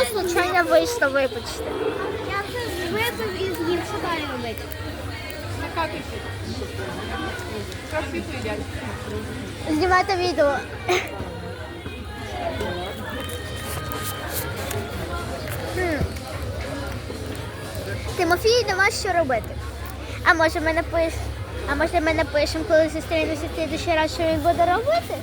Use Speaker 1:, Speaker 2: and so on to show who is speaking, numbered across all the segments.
Speaker 1: случайно вийшло, вибачте.
Speaker 2: Я це випив і з'їв, що далі робити?
Speaker 3: Накатуйся. Красиво їдять.
Speaker 1: Знімайте відео. Тимофій, нема що робити. А може ми напишемо, коли зустрінемося в слідущий раз, що він буде робити?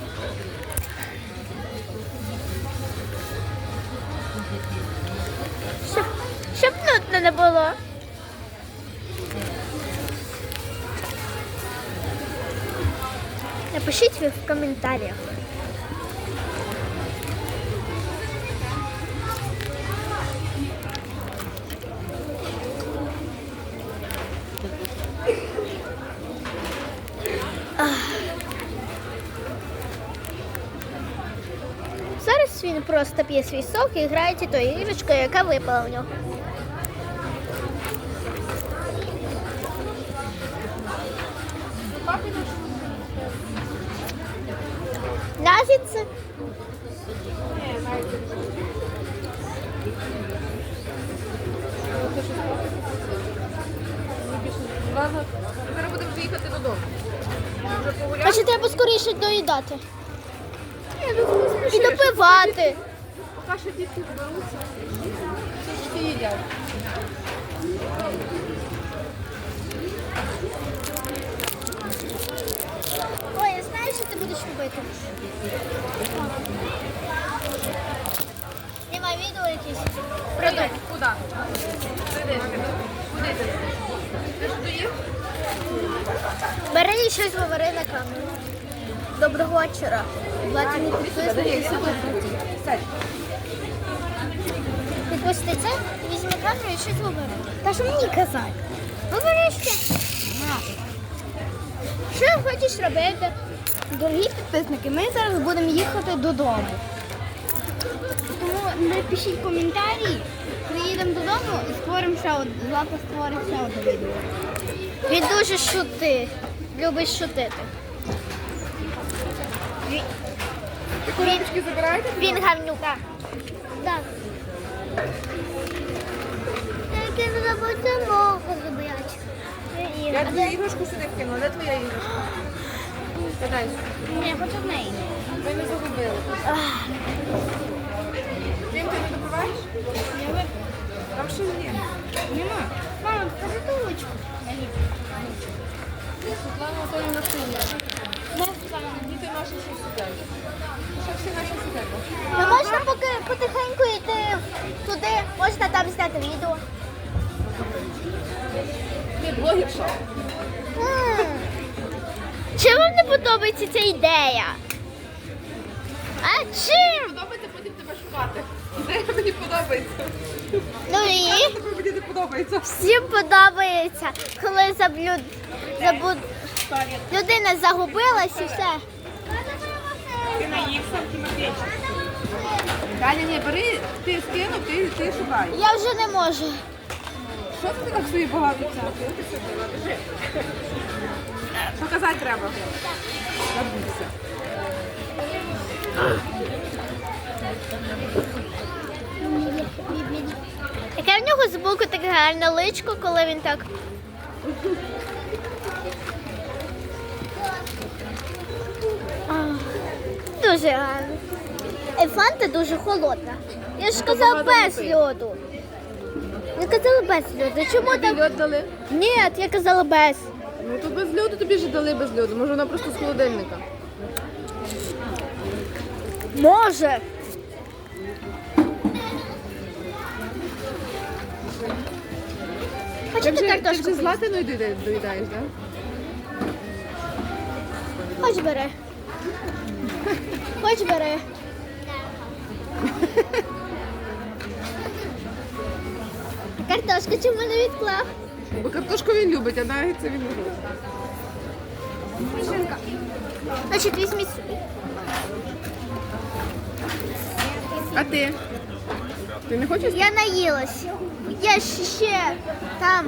Speaker 1: Щоб нудно не було. Напишіть ви в коментарях. Зараз він просто п'є свій сок і грається тою іграшкою, яка випала в нього. Нагідси.
Speaker 3: Ладно, зараз будемо вже їхати додому. Вже погуляли?
Speaker 1: Значить, треба скоріше доїдати. І допивати.
Speaker 3: Поки що дітки зберуться. Всі їдять.
Speaker 1: Ой, я знаю, що ти будеш робити. Знімай відео якесь.
Speaker 3: Куди? Куди? Куди ти? Ти ж доїв?
Speaker 1: Бери і щось говори на камеру. Доброго вечора. Платні підписники.
Speaker 3: Сядь.
Speaker 1: Підпусти це, візьми камеру і щось говори. Та що мені казати? Говори ще. Що хочеш робити?
Speaker 2: Дорогі підписники, ми зараз будемо їхати додому. Тому напишіть коментарі, приїдемо додому і створимо ще одне. Злата створить ще одне відео.
Speaker 1: Він дуже шутить. Любить шутити.
Speaker 3: Ви коробочки забираєте?
Speaker 1: Він гавнюк. Так. Я не забудь мого забирати.
Speaker 3: Я твою іграшку сюди вкинула. Де твоя іграшка? Подай.
Speaker 2: Я хочу в неї.
Speaker 3: Ми не загубили. Дім, ти не допиваєш?
Speaker 2: Я випив.
Speaker 3: Там ще є.
Speaker 2: Нема. Мама, покажи ту ручку.
Speaker 3: Світлана Анатоліївна сидять. Діти наші ще сидять. Ще всі наші сидять.
Speaker 1: Ну, можна поки потихеньку йти туди, можна там зняти відео.
Speaker 3: Ти блогерша.
Speaker 1: Чим вам не подобається ця ідея? А чим?
Speaker 3: Подобається, потім тебе шукати. Ідея мені подобається.
Speaker 1: Ну і
Speaker 3: Тобі мені не подобається.
Speaker 1: всім подобається, коли людина загубилась і все.
Speaker 3: Ти наївся, Тимофійчик. Галя, ні, бери, ти скинув, ти шукай.
Speaker 1: Я вже не можу.
Speaker 3: Що ти так собі багато цяти? Показати треба. Забудься.
Speaker 1: Яке в нього збоку таке гарне личко, коли він так. Дуже гарно. І фанта дуже холодна. Я ж казала без льоду. Я казала без льоду. Чому
Speaker 3: Тобі
Speaker 1: так?
Speaker 3: льод дали?
Speaker 1: Ні, я казала без.
Speaker 3: Ну то без льоду тобі ж дали без льоду. Може вона просто з холодильника.
Speaker 1: Може.
Speaker 3: Ти
Speaker 1: Хочете
Speaker 3: вже
Speaker 1: картошку?
Speaker 3: з Латиною доїдаєш, так?
Speaker 1: Хоч бери. Хоч бери. Картошку чому не відклав?
Speaker 3: Бо картошку він любить, а навіть це він не любить.
Speaker 1: Значить, візьміть собі.
Speaker 3: А ти? Ти не хочеш?
Speaker 1: Я наїлась. Я ще там.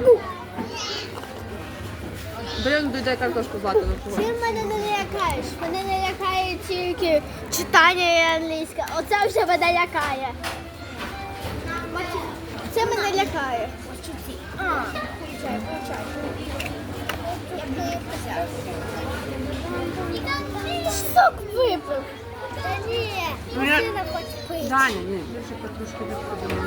Speaker 3: Бери, доїдай картошку з Латиною.
Speaker 1: Ти мене не лякаєш. Мене не лякає тільки читання і англійська. Оце вже мене лякає. виглядає?
Speaker 2: Получай. Я б взяв.
Speaker 1: Сок випив. Та ні,
Speaker 3: Ну, я-
Speaker 1: машина хоче пити.
Speaker 3: Даня, ні. Я ще потрошки відходимо.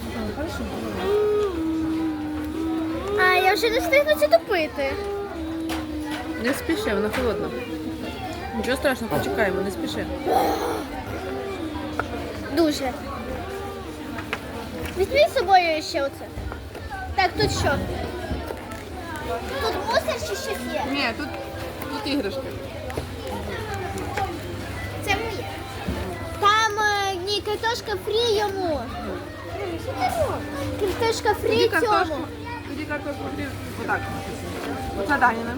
Speaker 1: А, я вже не встигну це допити.
Speaker 3: Не спіши, вона холодна. Нічого страшного, почекаємо, не спіши.
Speaker 1: Дуже. Візьми з собою ще оце. Так, тут що? Тут мусор чи щось є?
Speaker 3: Ні, тут іграшки.
Speaker 1: Це моє. Там ні, картошка фрі йому. Картошка фрі
Speaker 3: Тоді
Speaker 1: цьому.
Speaker 3: картошку фрі. Отак. Оце Даніна.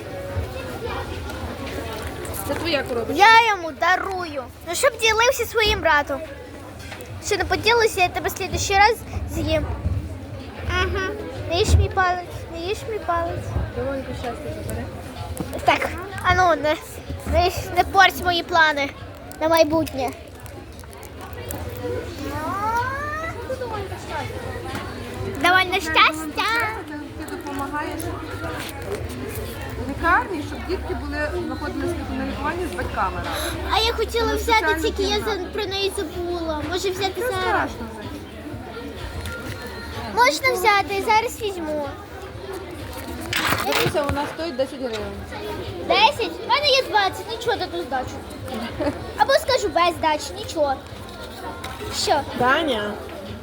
Speaker 3: Це твоя коробочка.
Speaker 1: Я йому дарую. Ну, щоб ділився своїм братом. Що не поділився, я тебе в следующий раз з'їм. Ага. Не їж мій палець, не їж мій палець.
Speaker 3: Довольно щастя забере.
Speaker 1: Так, а ну, не порть мої плани на майбутнє. Довольно щастя.
Speaker 3: Ти допомагаєш лікарні, щоб дітки знаходилися на лікуванні з батьками разом.
Speaker 1: А я хотіла
Speaker 3: Тому
Speaker 1: взяти,
Speaker 3: соціальний
Speaker 1: тільки я
Speaker 3: кімнат.
Speaker 1: про неї забула. Може взяти
Speaker 3: Це
Speaker 1: зараз?
Speaker 3: страшно.
Speaker 1: Можна взяти, зараз візьму.
Speaker 3: Дивіться, вона стоїть 10 гривень.
Speaker 1: 10? У мене є 20, нічого даду здачу. Або скажу без здачі, нічого. Що?
Speaker 3: Даня.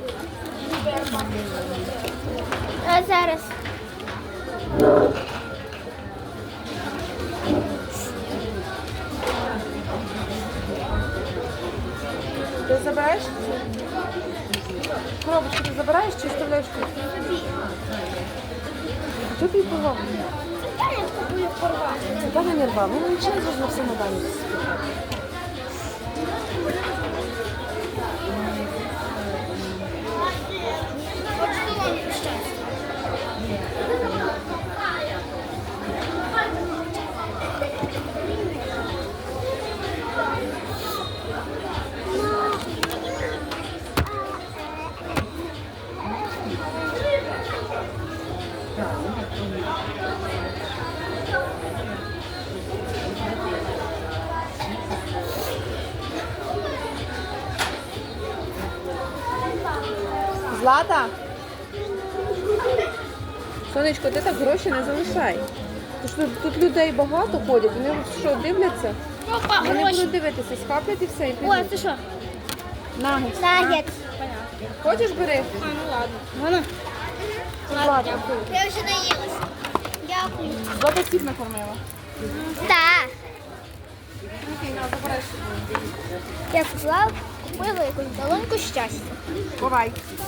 Speaker 1: А зараз.
Speaker 3: Ти забираєш? Коробочку ти забираєш чи вставляєш тут? Що ти порвав? Даня не рвав, ну нічого не можна все на Дані. Злата? Сонечко, ти так гроші не залишай. Тому що тут людей багато ходять, вони що, дивляться?
Speaker 1: Опа,
Speaker 3: Вони
Speaker 1: гроші.
Speaker 3: будуть дивитися, схаплять і все, і
Speaker 1: О,
Speaker 3: підуть.
Speaker 1: це що?
Speaker 3: Нагетс.
Speaker 1: Нагет.
Speaker 3: Хочеш бери? Злата.
Speaker 1: Я вже наїлася. Дякую.
Speaker 3: Злата всіх накормила.
Speaker 1: Так.
Speaker 3: Окей, на, забирай собі.
Speaker 1: Я купила якусь долоньку щастя.
Speaker 3: Бувай.